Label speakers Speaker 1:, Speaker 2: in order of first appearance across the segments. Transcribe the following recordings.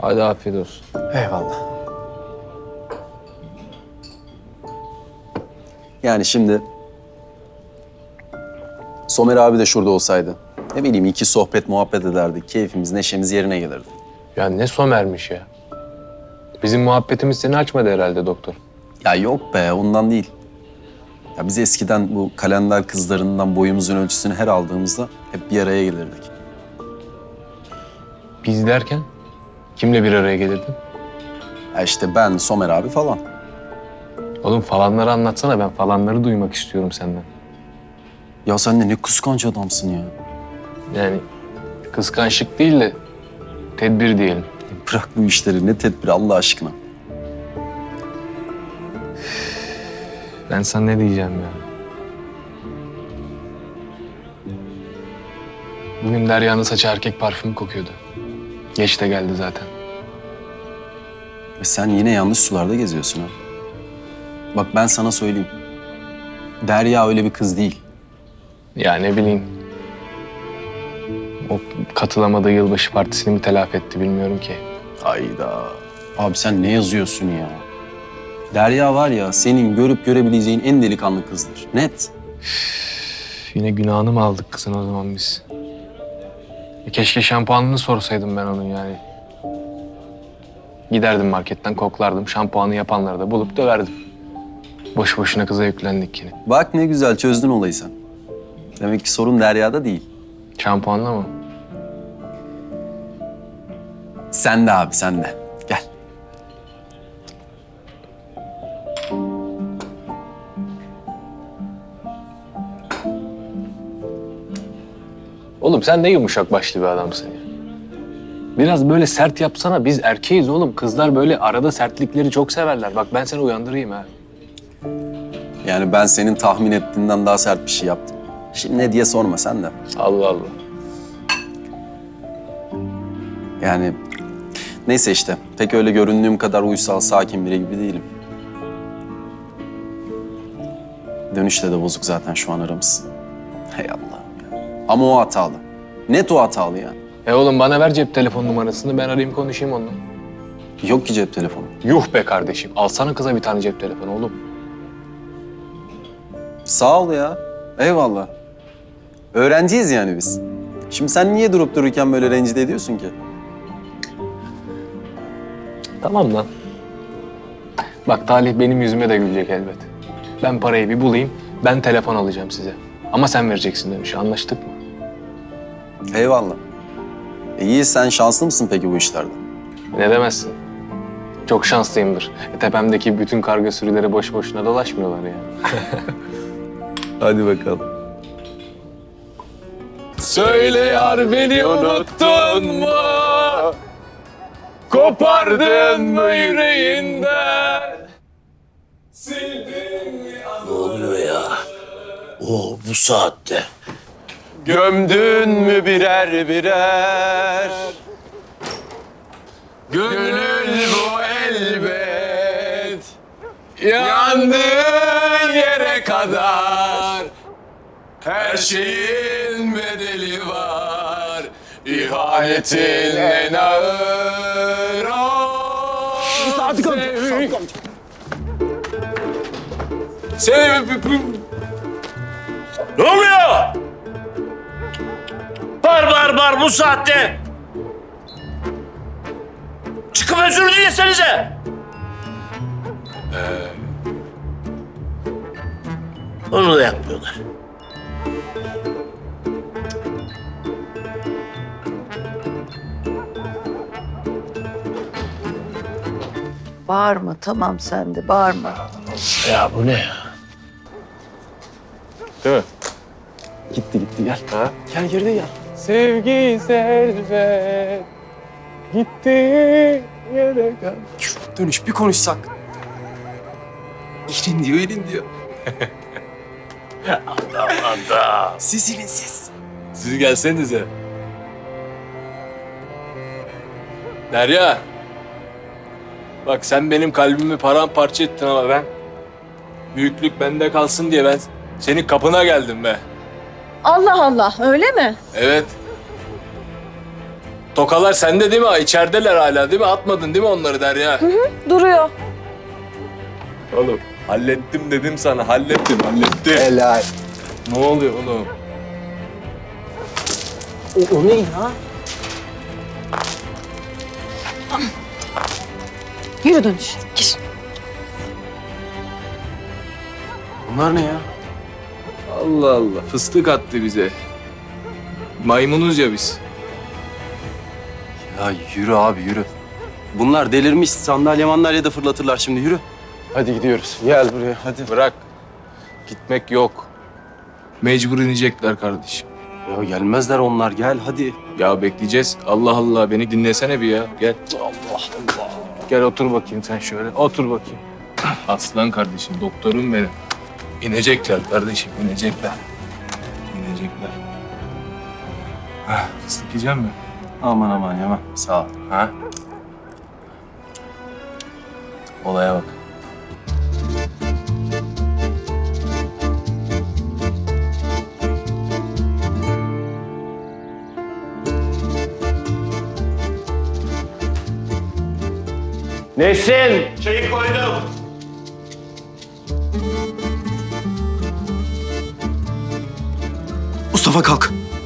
Speaker 1: Hadi afiyet olsun.
Speaker 2: Eyvallah. Yani şimdi Somer abi de şurada olsaydı, ne bileyim iki sohbet muhabbet ederdik, keyfimiz, neşemiz yerine gelirdi.
Speaker 1: Ya ne Somer'miş ya. Bizim muhabbetimiz seni açmadı herhalde doktor.
Speaker 2: Ya yok be, ondan değil. Ya biz eskiden bu kalender kızlarından boyumuzun ölçüsünü her aldığımızda hep bir araya gelirdik.
Speaker 1: Biz derken kimle bir araya gelirdin?
Speaker 2: Ya işte ben, Somer abi falan.
Speaker 1: Oğlum falanları anlatsana, ben falanları duymak istiyorum senden.
Speaker 2: Ya sen de ne kıskanç adamsın ya.
Speaker 1: Yani kıskançlık değil de tedbir diyelim.
Speaker 2: Bırak bu işleri, ne tedbiri Allah aşkına.
Speaker 1: Ben sana ne diyeceğim ya? Bugün Derya'nın saçı erkek parfümü kokuyordu. Geç de geldi zaten.
Speaker 2: Ve sen yine yanlış sularda geziyorsun ha. Bak ben sana söyleyeyim. Derya öyle bir kız değil.
Speaker 1: Ya ne bileyim. O katılamadığı yılbaşı partisini mi telafi etti bilmiyorum ki.
Speaker 2: Hayda. Abi sen ne yazıyorsun ya? Derya var ya, senin görüp görebileceğin en delikanlı kızdır. Net.
Speaker 1: Yine günahını mı aldık kızın o zaman biz? Keşke şampuanını sorsaydım ben onun yani. Giderdim marketten koklardım. Şampuanı yapanları da bulup döverdim. Boş boşuna kıza yüklendik yine.
Speaker 2: Bak ne güzel çözdün olayı sen. Demek ki sorun Derya'da değil.
Speaker 1: Şampuanla mı?
Speaker 2: Sen de abi, sen de. Gel.
Speaker 1: Oğlum sen ne yumuşak başlı bir adamsın ya. Biraz böyle sert yapsana. Biz erkeğiz oğlum. Kızlar böyle arada sertlikleri çok severler. Bak ben seni uyandırayım ha.
Speaker 2: Yani ben senin tahmin ettiğinden daha sert bir şey yaptım. Şimdi ne diye sorma sen de.
Speaker 1: Allah Allah.
Speaker 2: Yani neyse işte. Pek öyle göründüğüm kadar uysal, sakin biri gibi değilim. Dönüşte de bozuk zaten şu an aramız. Hey Allah'ım ya. Ama o hatalı. Net o hatalı yani.
Speaker 1: Oğlum bana ver cep telefon numarasını. Ben arayayım konuşayım onunla.
Speaker 2: Yok ki cep telefonu.
Speaker 1: Yuh be kardeşim. Alsana kıza bir tane cep telefonu oğlum.
Speaker 2: Sağ ol ya. Eyvallah. Öğrenciyiz yani biz. Şimdi sen niye durup dururken böyle rencide ediyorsun ki?
Speaker 1: Tamam lan. Bak Talih benim yüzüme de gülecek elbet. Ben parayı bir bulayım. Ben telefon alacağım size. Ama sen vereceksin demiş. Anlaştık mı?
Speaker 2: Eyvallah. İyi, sen şanslı mısın peki bu işlerde?
Speaker 1: Ne demezsin. Çok şanslıyımdır. Tepemdeki bütün karga sürüleri boş boşuna dolaşmıyorlar yani.
Speaker 2: Hadi bakalım.
Speaker 1: Söyle yar beni unuttun mu? Kopardın mı yüreğinden? Sildin mi
Speaker 3: Ne oluyor ya? Oo, bu saatte.
Speaker 2: Gömdün mü birer birer?
Speaker 1: Gönül bu elbet yandığın yere kadar her şeyin bedeli var. İhanetin en ağır o
Speaker 3: Ne oluyor? Bar bu saatte. Çıkıp özür dilesenize. Onu da yapmıyorlar.
Speaker 4: Bağırma, tamam sen de bağırma.
Speaker 3: Ya bu ne ya?
Speaker 1: Değil mi?
Speaker 2: Gitti gel.
Speaker 1: Ha?
Speaker 2: Gel geride gel.
Speaker 1: Sevgi servet gitti yere kadar.
Speaker 2: Dönüş bir konuşsak. Elin diyor.
Speaker 3: Anda.
Speaker 2: Sizin siz.
Speaker 1: Siz gelsenize. Derya. Bak sen benim kalbimi paramparça ettin ama ben büyüklük bende kalsın diye ben senin kapına geldim be.
Speaker 5: Allah Allah, öyle mi?
Speaker 1: Evet. Tokalar sende değil mi? İçerideler hala değil mi? Atmadın değil mi onları Derya?
Speaker 5: Duruyor.
Speaker 1: Oğlum hallettim dedim sana. Hallettim.
Speaker 2: Helal.
Speaker 1: Ne oluyor oğlum?
Speaker 2: O ne ya?
Speaker 5: Yürü dönüş. Gir.
Speaker 2: Bunlar ne ya?
Speaker 1: Allah Allah. Fıstık attı bize. Maymunuz ya biz.
Speaker 2: Ya yürü abi yürü. Bunlar delirmiş, sandalye mandalye de fırlatırlar şimdi, yürü. Hadi gidiyoruz. Gel buraya hadi.
Speaker 1: Bırak. Gitmek yok. Mecbur inecekler kardeşim.
Speaker 2: Ya gelmezler onlar, gel hadi.
Speaker 1: Ya bekleyeceğiz. Allah Allah beni dinlesene bir ya. Gel.
Speaker 2: Allah Allah.
Speaker 1: Gel otur bakayım sen şöyle. Otur bakayım. Aslan kardeşim, doktorum benim. İnecekler kardeşim, inecekler. İnecekler. Fıstık yiyecek mi?
Speaker 2: Aman aman yemem, sağ ol.
Speaker 1: Ha? Olaya bak.
Speaker 3: Nesin? Çayı koydum.
Speaker 2: Mustafa kalk.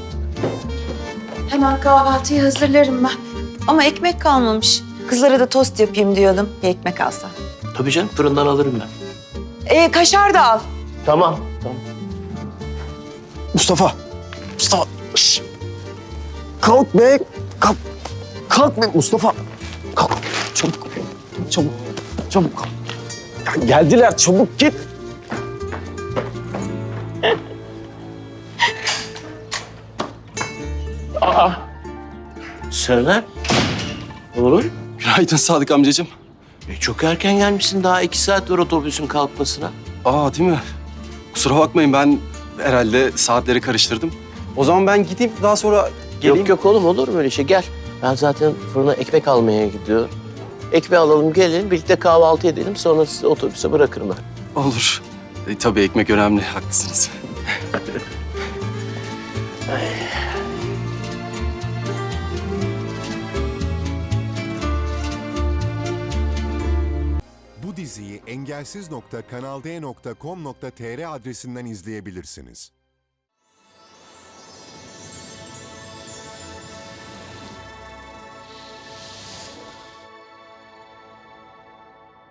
Speaker 4: Hemen kahvaltıyı hazırlarım ben. Ama ekmek kalmamış. Kızlara da tost yapayım diyordum. Bir ekmek alsam.
Speaker 3: Tabii canım fırından alırım ben.
Speaker 4: Kaşar da al.
Speaker 3: Tamam. Tamam.
Speaker 2: Mustafa. Mustafa. Şş. Kalk be. Kalk. Kalk be Mustafa. Kalk. Çabuk. Çabuk. Çabuk kalk. Ya geldiler, çabuk git.
Speaker 3: Serdar. Oğlum.
Speaker 2: Günaydın Sadık amcacığım.
Speaker 3: Çok erken gelmişsin. Daha 2 saat var otobüsün kalkmasına.
Speaker 2: Aa değil mi? Kusura bakmayın, ben herhalde saatleri karıştırdım. O zaman ben gideyim, daha sonra geleyim.
Speaker 3: Yok yok oğlum olur mu öyle şey? Gel. Ben zaten fırına ekmek almaya gidiyorum. Ekmeği alalım gelin birlikte kahvaltı edelim. Sonra sizi otobüse bırakırım ben.
Speaker 2: Olur. Tabii ekmek önemli, haklısınız.
Speaker 6: Bu diziyi engelsiz.kanalde.com.tr adresinden izleyebilirsiniz.